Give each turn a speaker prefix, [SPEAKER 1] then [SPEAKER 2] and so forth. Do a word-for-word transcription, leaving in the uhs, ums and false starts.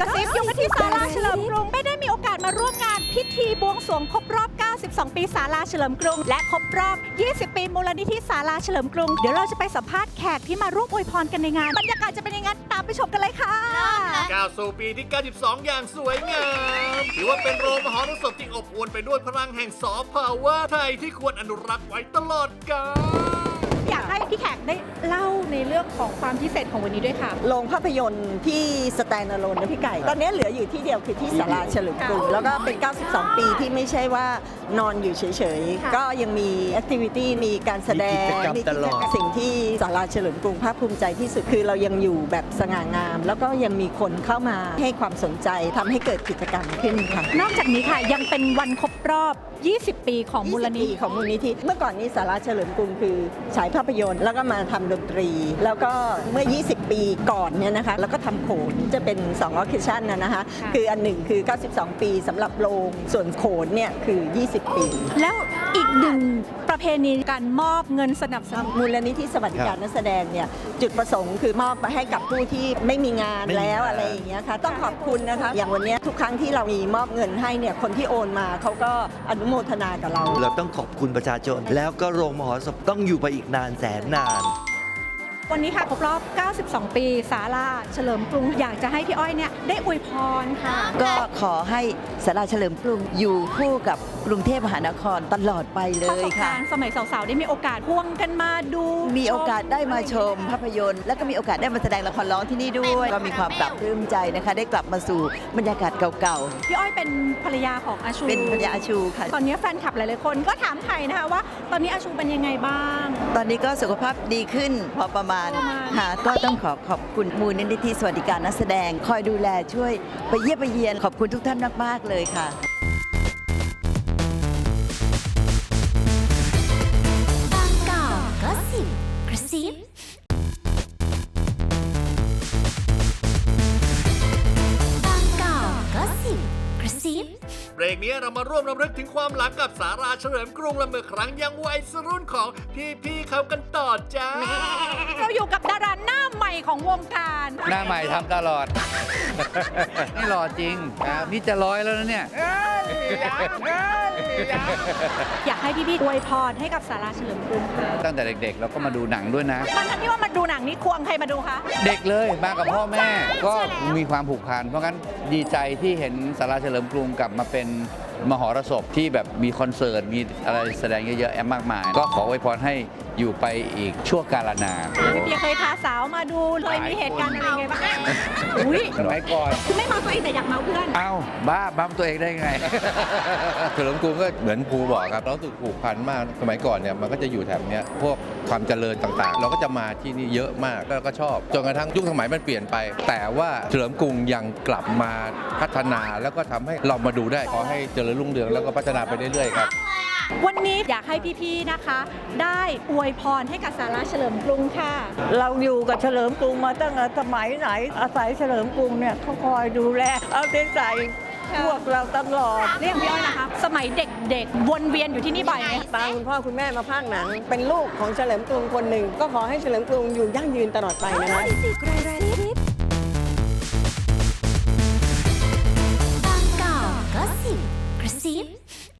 [SPEAKER 1] กระซิบอยู่กันที่ศาลาเฉลิมกรุงไม่ได้มีโอกาสมาร่วมงานพิธีบวงสรวงครบรอบ เก้าสิบสอง ปีศาลาเฉลิมกรุงและครบรอบ ยี่สิบ ปีมูลนิธิศาลาเฉลิมกรุงเดี๋ยวเราจะไปสัมภาษณ์แขกที่มาร่วมอวยพรกันในงานบรรยากาศจะเป็นยังไงตามไปชมกันเลยค่ะ
[SPEAKER 2] ก้าวสู่ปีที่ เก้าสิบสอง อย่างสวยงามถือว่าเป็นโรงมหรสพที่อบอวลไปด้วยพลังแห่งซอฟต์พาวเวอร์ไทยที่ควรอนุรักษ์ไว้ตลอดกาล
[SPEAKER 1] อยากให้พี่แขกได้เล่าในเรื่องของความพิเศษของวันนี้ด้วยค่ะ
[SPEAKER 3] โรงภาพยนตร์ที่สแตนด์อะโลนนะพี่ไก่ ตอนนี้เหลืออยู่ที่เดียวคือที่ศาลาเฉลิมกรุง แล้วก็เป็น เก้าสิบสอง ปีที่ไม่ใช่ว่านอนอยู่เฉยๆ ก็ยังมีแอคทิวิตี้ มีการแสดง
[SPEAKER 4] มีกิจกรรมตลอด
[SPEAKER 3] สิ่งที่ศาลาเฉลิมกรุงภาคภูมิใจที่สุดคือเรายังอยู่แบบสง่างาม แล้วก็ยังมีคนเข้ามาให้ความสนใจทำให้เกิดกิจกรรมขึ้นค่ะ
[SPEAKER 1] นอกจากนี้ค่ะยังเป็นวันครบรอบ ยี่สิบ ปีของมูลนิธิ
[SPEAKER 3] ยี่สิบปีของมูลนิธิ เมื่อก่อนนี้ศาลาเฉลิมกรุงคือฉายภาพยนตร์แล้วก็มาทำดนตรี แล้วก็เมื่อ ยี่สิบ ปีก่อนเนี่ยนะคะแล้วก็ทำโขนจะเป็นสองออเคชั่นนะนะคะคืออันหนึ่งคือ เก้าสิบสอง ปีสำหรับโรงส่วนโขนเนี่ยคือ ยี่สิบ ปี
[SPEAKER 1] แล้วอีกหนึ่งประเพณีการมอบเงินสนับสนุน
[SPEAKER 3] มูลนิธิสวัสดิการนักแสดงเนี่ยจุดประสงค์คือมอบไปให้กับผู้ที่ไม่มีงานแล้วอะไรอย่างเงี้ยค่ะต้องขอบคุณนะคะอย่างวันเนี้ยทุกครั้งที่เรามีมอบเงินให้เนี่ยคนที่โอนมาเขาก็อนุโมทนากับเรา
[SPEAKER 4] เราต้องขอบคุณประชาชน แล้วก็โรงมหรสพต้องอยู่ไปอีกนานแสนนาน
[SPEAKER 1] วันนี้ค่ะครบรอบ เก้าสิบสอง ปีศาลาเฉลิมกรุงอยากจะให้พี่อ้อยเนี่ยได้อวยพรค่ะ
[SPEAKER 5] ก็ขอให้ศาลาเฉลิมกรุงอยู่คู่กับกรุงเทพมหานครตลอดไปเล
[SPEAKER 1] ประส
[SPEAKER 5] ย
[SPEAKER 1] บ
[SPEAKER 5] ค่ะ
[SPEAKER 1] การณ์สมัยสาวๆได้มีโอกาสพ่วงกันมาดู
[SPEAKER 5] มีโอกาสได้มาชมภาพยนตร์ แล้วก็มีโอกาสได้มาแสดงละครร้องที่นี่ด้วย ก็มีความปรับปลื้มใจนะคะ ได้กลับมาสู่บรรยากาศเก่า
[SPEAKER 1] พี่อ้อยเป็นภรรยาของอาชู
[SPEAKER 5] ๆ เป็นภรรยาอาชูค่ะ
[SPEAKER 1] ตอนนี้แฟนคลับหลายๆคนก็ถามไทยนะคะว่า ตอนนี้อาชูเป็นยังไงบ้าง
[SPEAKER 5] ตอนนี้ก็สุขภาพดีขึ้นพอประมาณ
[SPEAKER 1] ประมาณ
[SPEAKER 5] ค่ะก็ต้องขอขอบคุณมูลนิธิสวัสดิการนักแสดง คอยดูแลช่วยไปเยี่ยมไปเยียนขอบคุณทุกท่านมากๆเลยค่ะ
[SPEAKER 6] บางกอกก็สิบกระซิบางกอกก็สิบกระซิบ
[SPEAKER 2] เบรกนี้เรามาร่วมรำลึกถึงความหลังกับศาลาเฉลิมกรุงและเมื่อครั้งยังวัยรุ่นของพี่ๆเขากันต่อจ้า
[SPEAKER 1] เราอยู่กับดาราหน้าใหม่ของวงการ
[SPEAKER 7] หน้าใหม่ทำตลอด นี่หล่อจริงครับนี่จะร้อยแล้วนะเนี่ย
[SPEAKER 1] อยากให้พี่ๆอวยพรให้กับศาลาเฉลิมกรุงค่ะ
[SPEAKER 7] ตั้งแต่เด็กๆ เราก็มาดูหนังด้วยนะ
[SPEAKER 1] ตอนนั้นที่ว่ามาดูหนังนี่ควงใครมาดูคะ
[SPEAKER 7] เด็กเลยมากับพ่อแม่ก็มีความผูกพันเพราะงั้นดีใจที่เห็นศาลาเฉลิมกรุงกลับมาเป็นมหรสพที่แบบมีคอนเสิร์ตมีอะไรแสดงเยอะๆแยะมากมาย ก็ขออวยพรให้อยู่ไปอีกชั่วกาลนาน
[SPEAKER 1] แล้วพี่เปียเคยพาสาวมาดูเคยมีเหตุการณ์อะไรยังไงบ้างอุ้ย
[SPEAKER 7] สมัยก่อน
[SPEAKER 1] คือไม่เมาตัวเองแต่อยากเมาเพื่อน
[SPEAKER 7] เอ้าบ้าบ้ามตัวเองได้ไง
[SPEAKER 8] เฉลิมกรุงก็เหมือนครูบอกครับเรารู้สึกผูกพันมากสมัยก่อนเนี่ยมันก็จะอยู่แถบเนี้ยพวกความเจริญต่างๆ เราก็จะมาที่นี่เยอะมากแล้วก็ชอบจนกระทั่งยุคสมัยมันเปลี่ยนไป แต่ว่าเฉลิมกรุงยังกลับมาพัฒนาแล้วก็ทำให้เรามาดูได้ขอให้เจริญรุ่งเรืองแล้วก็พัฒนาไปเรื่อยๆครับ
[SPEAKER 1] วันนี้อยากให้พี่ๆนะคะ ได้อวยพรให้กับศาลาเฉลิมกรุงค่ะ
[SPEAKER 3] เราอยู่กับเฉลิมกรุงมาตั้งแต่สมัยไหน อาศัยเฉลิมกรุงเนี่ยเขาคอยดูแลเอาใจใส่พวกเราตลอด
[SPEAKER 1] เรียกพี่อ้อยนะคะ สมัยเด็กๆ วนเวียนอยู่ที่นี่บ่อยไหม
[SPEAKER 9] ตามคุณพ่อคุณแม่มาพากย์หนัง เป็นลูกของเฉลิมกรุงคนหนึ่ง ก็ขอให้เฉลิมกรุงอยู่ยั่งยืนตลอดไปนะคะ
[SPEAKER 6] กระซิบ